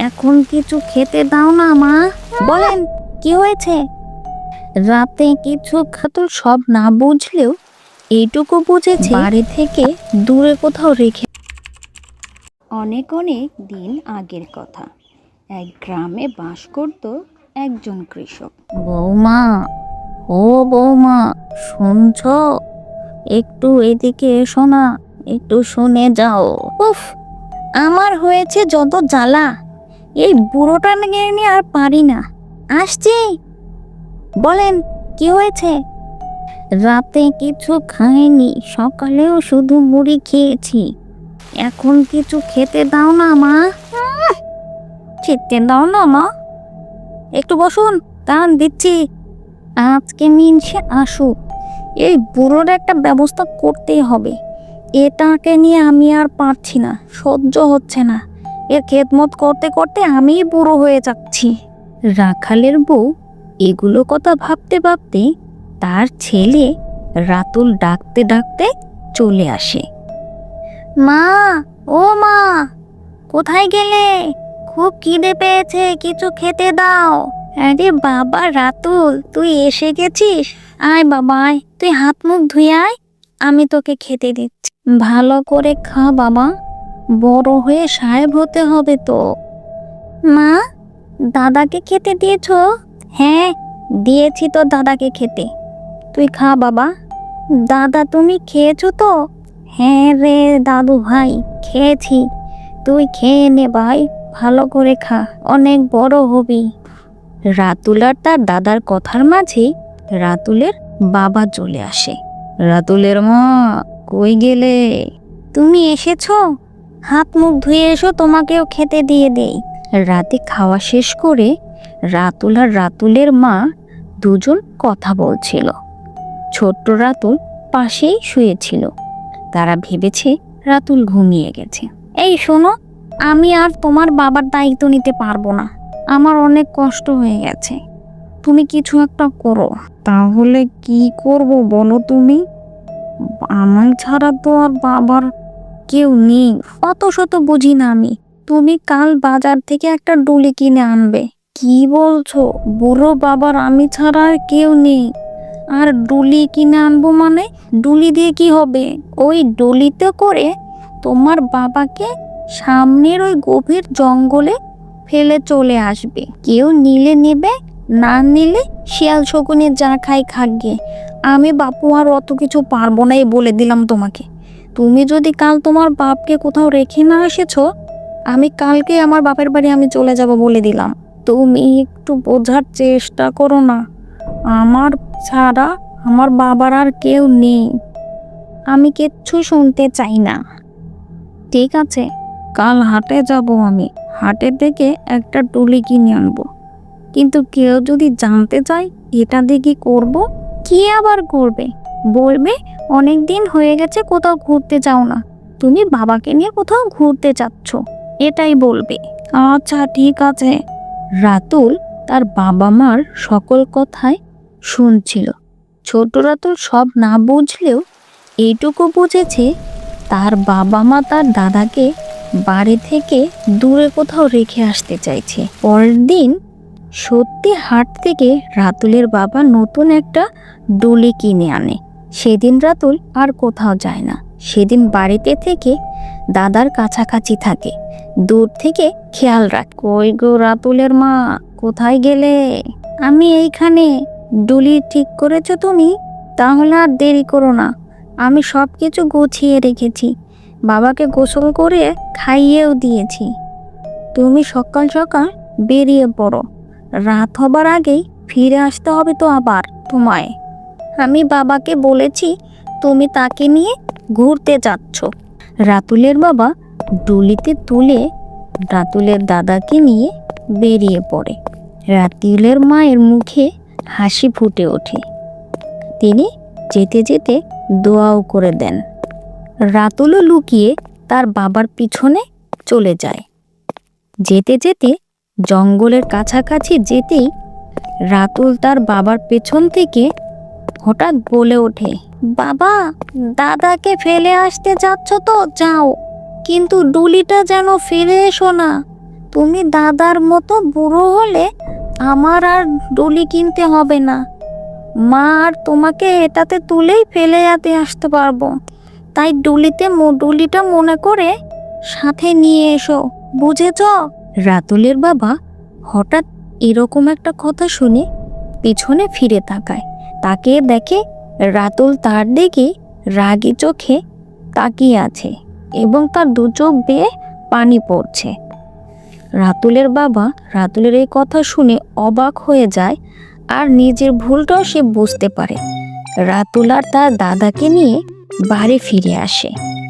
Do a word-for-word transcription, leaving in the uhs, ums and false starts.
এখন কিছু খেতে দাও না মা। বলেন কি হয়েছে? রাতে কিছু খাতুল সব না বুঝলেও এইটুকু বুঝেছে বাড়ি থেকে দূরে কোথাও রেখে। অনেক অনেক দিন আগের কথা, এক গ্রামে বাস করত একজন কৃষক। বৌমা, ও বৌমা, শুনছ? একটু এদিকে এসো না, একটু শুনে যাও। উফ, আমার হয়েছে যত জ্বালা, এই বুড়োটা নিয়ে আর পারি না। আসছি। বলেন কি হয়েছে? রাতে কিছু খাইনি, সকালেও শুধু মুড়ি খেয়েছি। এখন কিছু খেতে দাও না মা। খেতে দাও না মা। একটু বসুন, দাঁড়ান দিচ্ছি। আজকে মিনসে আসুক, এই বুড়োর একটা ব্যবস্থা করতেই হবে। এটাকে নিয়ে আমি আর পারছি না, সহ্য হচ্ছে না। এর খেদমত করতে করতে আমিই বুড়ো হয়ে যাচ্ছি। রাখালের বউ এগুলো কথা ভাবতে ভাবতে তার ছেলে রাতুল ডাকতে ডাকতে চলে আসে। মা, ও মা, কোথায় গেলে? খুব খিদে পেয়েছে, কিছু খেতে দাও। আরে বাবা রাতুল, তুই এসে গেছিস? আয় বাবা আয়, তুই হাত মুখ ধুয়ে আয়, আমি তোকে খেতে দিচ্ছি। ভালো করে খা বাবা, বড় হয়ে সাহেব হতে হবে তো। মা, দাদাকে খেতে দিয়েছ? হ্যাঁ, দিয়েছি তো দাদাকে খেতে। তুই খা বাবা। দাদা তুমি খেয়েছো তো? হ্যাঁ রে দাদু ভাই, খেয়েছি। তুই খেয়ে নে ভাই, ভালো করে খা, অনেক বড় হবি। রাতুল আর তার দাদার কথার মাঝে রাতুলের বাবা চলে আসে। রাতুলের মা, কই গেলে? তুমি এসেছো? হাত মুখ ধুয়ে এসো, তোমাকেও খেতে দিয়ে দেই। রাতে খাওয়া শেষ করে রাতুল আর রাতুলের মা দুজন কথা বলছিল। ছোট্ট রাতুল পাশেই শুয়েছিল। তারা ভেবেছে রাতুল ঘুমিয়ে গেছে। এই শোনো, আমি আর তোমার বাবার দায়িত্ব নিতে পারবো না, আমার অনেক কষ্ট হয়ে গেছে, তুমি কিছু একটা করো। তাহলে কি করব বলো তুমি? আমার ছাড়া তো আর বাবার কেউ নেই, অত শত বুঝি না আমি। তুমি কাল বাজার থেকে একটা ডুলি কিনে আনবে। কি বলছো? বুড়ো বাবার আমি ছাড়া আর কেউ নেই, আর ডুলি কিনে আনবো মানে? ডুলি দিয়ে কি হবে? ওই ডুলিতে করে তোমার বাবাকে সামনের ওই গভীর জঙ্গলে ফেলে চলে আসবে। কেউ নিলে নেবে, না নিলে শিয়াল শকুনে যা খাই খাগে। আমি বাপু আর অত কিছু পারবো না, এই বলে দিলাম তোমাকে। তুমি যদি কাল তোমার বাপকে কোথাও রেখে না এসেছো, আমি কালকে আমার বাপের বাড়ি আমি চলে যাব বলে দিলাম। তুমি একটু বোঝার চেষ্টা করো না, আমার ছাড়া আমার বাবার আর কেউ নেই, আমি কিচ্ছু শুনতে চাই না। ঠিক আছে, কাল হাটে যাব আমি, হাটে থেকে একটা টুলি কিনে আনবো। কিন্তু কেউ যদি জানতে চায় এটা দিয়ে কি করবো? কি আবার করবে? বলবে অনেক দিন হয়ে গেছে কোথাও ঘুরতে যাও না, তুমি বাবাকে নিয়ে কোথাও ঘুরতে যাচ্ছ, এটাই বলবে। আচ্ছা ঠিক আছে। রাতুল তার বাবা মার সকল কথাই শুনছিল। ছোট রাতুল সব না বুঝলেও এইটুকু বুঝেছে তার বাবা মা তার দাদাকে বাড়ি থেকে দূরে কোথাও রেখে আসতে চাইছে। পরের দিন সত্যি হাট থেকে রাতুলের বাবা নতুন একটা ডুলি কিনে আনে। সেদিন রাতুল আর কোথাও যায় না, সেদিন বাড়িতে থেকে দাদার কাছাকাছি থাকে, দূর থেকে খেয়াল রাখ। কই গো রাতুলের মা, কোথায় গেলে? আমি এইখানে। ডুলি ঠিক করেছো তুমি? তাহলে আর দেরি করো না, আমি সব কিছু গুছিয়ে রেখেছি, বাবাকে গোসল করে খাইয়েও দিয়েছি। তুমি সকাল সকাল বেরিয়ে পড়ো, রাত হবার আগেই ফিরে আসতে হবে তো আবার তোমায়। আমি বাবাকে বলেছি তুমি তাকে নিয়ে ঘুরতে যাচ্ছ। রাতুলের বাবা ডুলিতে তুলে রাতুলের দাদাকে নিয়ে বেরিয়ে পড়ে। রাতুলের মায়ের মুখে হাসি ফুটে ওঠে, তিনি যেতে যেতে দোয়াও করে দেন। রাতুলও লুকিয়ে তার বাবার পিছনে চলে যায়। যেতে যেতে জঙ্গলের কাছাকাছি যেতেই রাতুল তার বাবার পেছন থেকে হঠাৎ বলে ওঠে, বাবা, দাদাকে ফেলে আসতে যাচ্ছ তো যাও, কিন্তু ডুলিটা যেন ফেলে এসো না, তুমি দাদার মতো বুড়ো হলে আমার আর ডুলি কিনতে হবে না। মা আর তোমাকে এটাতে তুলেই ফেলে যেতে আসতে পারবো। তাই ডুলিতে মো- ডুলিটা মনে করে সাথে নিয়ে এসো, বুঝেছ? রাতুলের বাবা হঠাৎ এরকম একটা কথা শুনে পিছনে ফিরে তাকায়। তাকে দেখে রাতুল তার দিকে রাগী চোখে তাকিয়ে আছে এবং তার দু চোখ বেয়ে পানি পড়ছে। রাতুলের বাবা রাতুলের এই কথা শুনে অবাক হয়ে যায় আর নিজের ভুলটাও সে বুঝতে পারে। রাতুল আর তার দাদাকে নিয়ে বাড়ি ফিরে আসে।